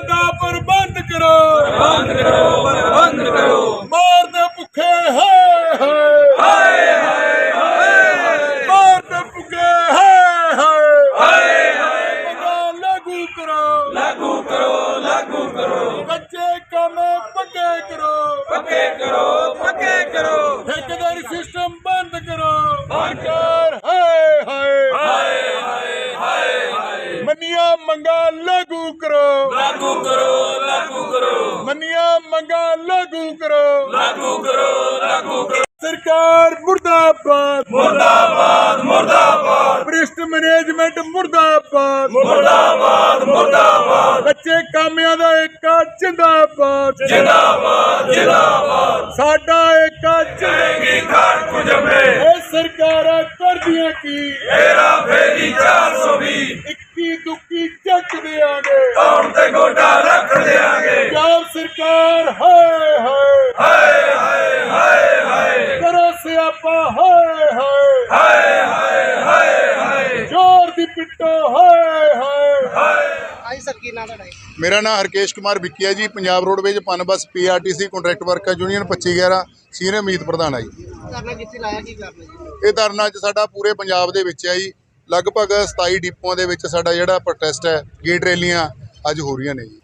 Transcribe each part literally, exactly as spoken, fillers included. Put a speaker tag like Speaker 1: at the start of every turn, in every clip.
Speaker 1: का प्रबंध करो,
Speaker 2: प्रबंध करो, प्रबंध करो।
Speaker 1: मार दे भुखे हाय हाय
Speaker 2: हाय हाय हाय
Speaker 1: मार दे भुखे हाय हाय
Speaker 2: हाय हाय
Speaker 1: मंगा लागू करो,
Speaker 2: लागू करो, लागू करो।
Speaker 1: कच्चे काम पक्के करो,
Speaker 2: पक्के करो, पक्के करो।
Speaker 1: ठेकेदारी सिस्टम बंद करो,
Speaker 2: बंद
Speaker 1: सरकार हाय हाय
Speaker 2: हाय हाय हाय हाय
Speaker 1: मनिया मंगा लागू करो,
Speaker 2: लागू करो, लागू करो,
Speaker 1: मनिया मंगा लागू करो,
Speaker 2: लागू करो, लागू करो।
Speaker 1: सरकार मुर्दाबाद,
Speaker 2: मुर्दाबाद, मुर्दाबाद,
Speaker 1: भ्रिष्ट मैनेजमेंट मुर्दाबाद,
Speaker 2: मुर्दाबाद, मुर्दाबाद,
Speaker 1: कच्चे कामियां दा एका जिंदाबाद,
Speaker 2: जिंदाबाद, जिंदाबाद।
Speaker 1: साडा एका
Speaker 2: जाएगी खाट को जमे,
Speaker 1: ए सरकारां करदियां की
Speaker 2: हेरा फेरी चार सौ बीस,
Speaker 1: इक्की दुक्की चक देंगे,
Speaker 2: कौन ते गोटा रख देंगे।
Speaker 1: पंजाब सरकार हाय हाय
Speaker 2: हाय हाय हाय हाय
Speaker 1: करो सियापा हाय हाय
Speaker 2: हाय हाय हाय हाय
Speaker 1: जोर दी पिट्टो हाय हाय
Speaker 2: हाय।
Speaker 3: ਹਾਂਜੀ ਸਰ ਕੀ ਨਾਮ ਤੁਹਾਡਾ ਜੀ?
Speaker 1: मेरा नाम हरकेश कुमार विक्की है जी। Punjab roadways Punbus P R T C contract worker union पच्ची ग्यारह सीनियर ਮੀਤ ਪ੍ਰਧਾਨ ਹੈ ਜੀ।
Speaker 3: ਧਰਨਾ ਕਿੱਥੇ ਲਾਇਆ, ਕੀ ਕਰਨਾ ਜੀ?
Speaker 1: ਇਹ ਧਰਨਾ ਅੱਜ ਸਾਡਾ ਪੂਰੇ ਪੰਜਾਬ ਦੇ ਵਿੱਚ ਹੈ ਜੀ। ਲਗਭਗ ਸਤਾਈ ਡਿਪੂਆਂ ਦੇ ਵਿੱਚ ਸਾਡਾ ਜਿਹੜਾ ਪ੍ਰੋਟੈਸਟ ਹੈ, ਗੇਟ ਰੈਲੀਆਂ ਅੱਜ ਹੋ ਰਹੀਆਂ ਨੇ ਜੀ।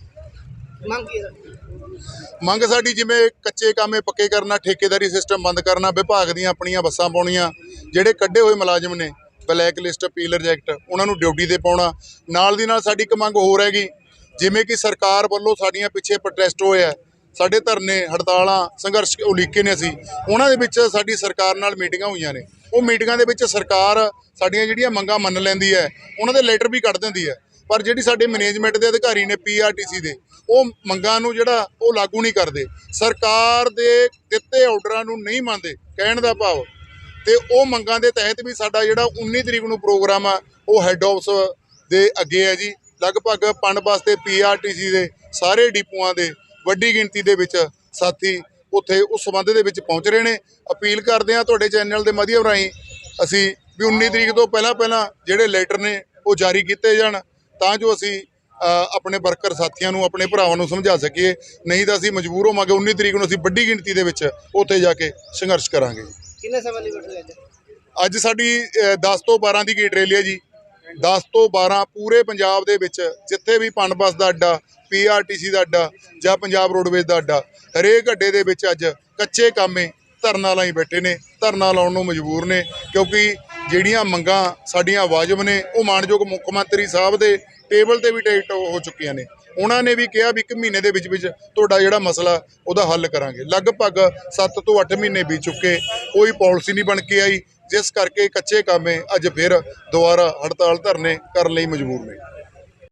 Speaker 3: ਮੰਗ ਕੀ ਹੈ?
Speaker 1: ਮੰਗ ਸਾਡੀ ਜਿਵੇਂ ਕੱਚੇ ਕਾਮੇ ਪੱਕੇ ਕਰਨਾ, ਠੇਕੇਦਾਰੀ ਸਿਸਟਮ ਬੰਦ ਕਰਨਾ, ਵਿਭਾਗ ਦੀਆਂ ਆਪਣੀਆਂ ਬੱਸਾਂ ਪਾਉਣੀਆਂ, ਜਿਹੜੇ ਕੱਢੇ ਹੋਏ ਮੁਲਾਜ਼ਮ ਨੇ ਬਲੈਕ ਲਿਸਟ ਪੀਲਰ ਰਿਜੈਕਟ ਉਹਨਾਂ ਨੂੰ ਡਿਊਟੀ ਤੇ ਪਾਉਣਾ। ਨਾਲ ਦੀ ਨਾਲ ਸਾਡੀ ਇੱਕ ਮੰਗ ਹੋਰ ਹੈਗੀ, ਜਿਵੇਂ ਕਿ ਸਰਕਾਰ ਵੱਲੋਂ ਸਾਡੀਆਂ ਪਿੱਛੇ ਪ੍ਰੋਟੈਸਟ ਹੋਇਆ, ਸਾਡੇ ਧਰਨੇ ਹੜਤਾਲਾਂ ਸੰਘਰਸ਼ ਉਲੀਕੇ ਨੇ ਅਸੀਂ, ਉਹਨਾਂ ਦੇ ਵਿੱਚ ਸਾਡੀ ਸਰਕਾਰ ਨਾਲ ਮੀਟਿੰਗਾਂ ਹੋਈਆਂ ਨੇ। ਉਹ ਮੀਟਿੰਗਾਂ ਦੇ ਵਿੱਚ ਸਰਕਾਰ ਸਾਡੀਆਂ ਜਿਹੜੀਆਂ ਮੰਗਾਂ ਮੰਨ ਲੈਂਦੀ ਹੈ, ਉਹਨਾਂ ਦੇ ਲੈਟਰ ਵੀ ਕੱਢ ਦਿੰਦੀ ਹੈ, ਪਰ ਜਿਹੜੀ ਸਾਡੇ ਮੈਨੇਜਮੈਂਟ ਦੇ ਅਧਿਕਾਰੀ ਨੇ ਪੀ ਆਰ ਟੀ ਸੀ ਦੇ, ਉਹ ਮੰਗਾਂ ਨੂੰ ਜਿਹੜਾ ਉਹ ਲਾਗੂ ਨਹੀਂ ਕਰਦੇ, ਸਰਕਾਰ ਦੇ ਦਿੱਤੇ ਆਰਡਰਾਂ ਨੂੰ ਨਹੀਂ ਮੰਨਦੇ। ਕਹਿਣ ਦਾ ਭਾਵ ਤੇ ਉਹ ਮੰਗਾਂ ਦੇ ਤਹਿਤ ਵੀ ਸਾਡਾ ਜਿਹੜਾ ਉੱਨੀ ਤਰੀਕ ਨੂੰ ਪ੍ਰੋਗਰਾਮ ਆ ਉਹ ਹੈੱਡ ਆਫਿਸ ਦੇ ਅੱਗੇ ਹੈ ਜੀ। ਲਗਭਗ ਪਨ ਬੱਸ ਤੇ ਪੀ ਆਰ ਟੀ ਸੀ ਦੇ ਸਾਰੇ ਡਿਪੂਆਂ ਦੇ ਵੱਡੀ ਗਿਣਤੀ ਦੇ ਵਿੱਚ ਸਾਥੀ ਉੱਥੇ ਉਸ ਸੰਬੰਧ ਦੇ ਵਿੱਚ ਪਹੁੰਚ ਰਹੇ ਨੇ। ਅਪੀਲ ਕਰਦੇ ਹਾਂ ਤੁਹਾਡੇ ਚੈਨਲ ਦੇ ਮਾਧਿਅਮ ਰਾਹੀਂ ਅਸੀਂ ਵੀ ਉੱਨੀ ਤਰੀਕ ਤੋਂ ਪਹਿਲਾਂ ਪਹਿਲਾਂ ਜਿਹੜੇ ਲੈਟਰ ਨੇ ਉਹ ਜਾਰੀ ਕੀਤੇ ਜਾਣ, ਤਾਂ ਜੋ ਅਸੀਂ ਆਪਣੇ ਵਰਕਰ ਸਾਥੀਆਂ ਨੂੰ, ਆਪਣੇ ਭਰਾਵਾਂ ਨੂੰ ਸਮਝਾ ਸਕੀਏ। ਨਹੀਂ ਤਾਂ ਅਸੀਂ ਮਜਬੂਰ ਹੋਵਾਂਗੇ, ਉੱਨੀ ਤਰੀਕ ਨੂੰ ਅਸੀਂ ਵੱਡੀ ਗਿਣਤੀ ਦੇ ਵਿੱਚ ਉੱਥੇ ਜਾ ਕੇ ਸੰਘਰਸ਼ ਕਰਾਂਗੇ।
Speaker 3: ਕਿੰਨੇ ਸਮੇਂ ਲਈ ਬੈਠੇ ਅੱਜ?
Speaker 1: ਅੱਜ ਸਾਡੀ ਦਸ ਤੋਂ ਬਾਰਾਂ ਦੀ ਗੇਟ ਰੈਲੀ ਹੈ ਜੀ। ਦਸ ਤੋਂ ਬਾਰਾਂ ਪੂਰੇ ਪੰਜਾਬ ਦੇ ਵਿੱਚ ਜਿੱਥੇ ਵੀ ਪਨ ਬੱਸ ਦਾ ਅੱਡਾ, ਪੀ ਆਰ ਟੀ ਸੀ ਦਾ ਅੱਡਾ ਜਾਂ ਪੰਜਾਬ ਰੋਡਵੇਜ਼ ਦਾ ਅੱਡਾ, ਹਰੇਕ ਅੱਡੇ ਦੇ ਵਿੱਚ ਅੱਜ ਕੱਚੇ ਕਾਮੇ ਧਰਨਾ ਲਾਈ ਬੈਠੇ ਨੇ, ਧਰਨਾ ਲਾਉਣ ਨੂੰ ਮਜਬੂਰ ਨੇ, ਕਿਉਂਕਿ ਜਿਹੜੀਆਂ ਮੰਗਾਂ ਸਾਡੀਆਂ ਵਾਜਬ ਨੇ ਉਹ ਮਾਣਯੋਗ ਮੁੱਖ ਮੰਤਰੀ ਸਾਹਿਬ ਦੇ ਟੇਬਲ ਤੇ ਵੀ ਟਿਕਟ ਹੋ ਚੁੱਕੀਆਂ ਨੇ। ਉਹਨਾਂ ਨੇ ਵੀ ਕਿਹਾ ਵੀ ਇੱਕ ਮਹੀਨੇ ਦੇ ਵਿੱਚ ਵਿੱਚ ਤੁਹਾਡਾ ਜਿਹੜਾ ਮਸਲਾ ਉਹਦਾ ਹੱਲ ਕਰਾਂਗੇ। ਲਗਭਗ ਸੱਤ ਤੋਂ ਅੱਠ ਮਹੀਨੇ ਬੀਤ ਚੁੱਕੇ, ਕੋਈ ਪਾਲਿਸੀ ਨਹੀਂ ਬਣ ਕੇ ਆਈ, ਜਿਸ ਕਰਕੇ ਕੱਚੇ ਕਾਮੇ ਅੱਜ ਫਿਰ ਦੁਬਾਰਾ ਹੜਤਾਲ ਧਰਨੇ ਕਰਨ ਲਈ ਮਜਬੂਰ ਨੇ।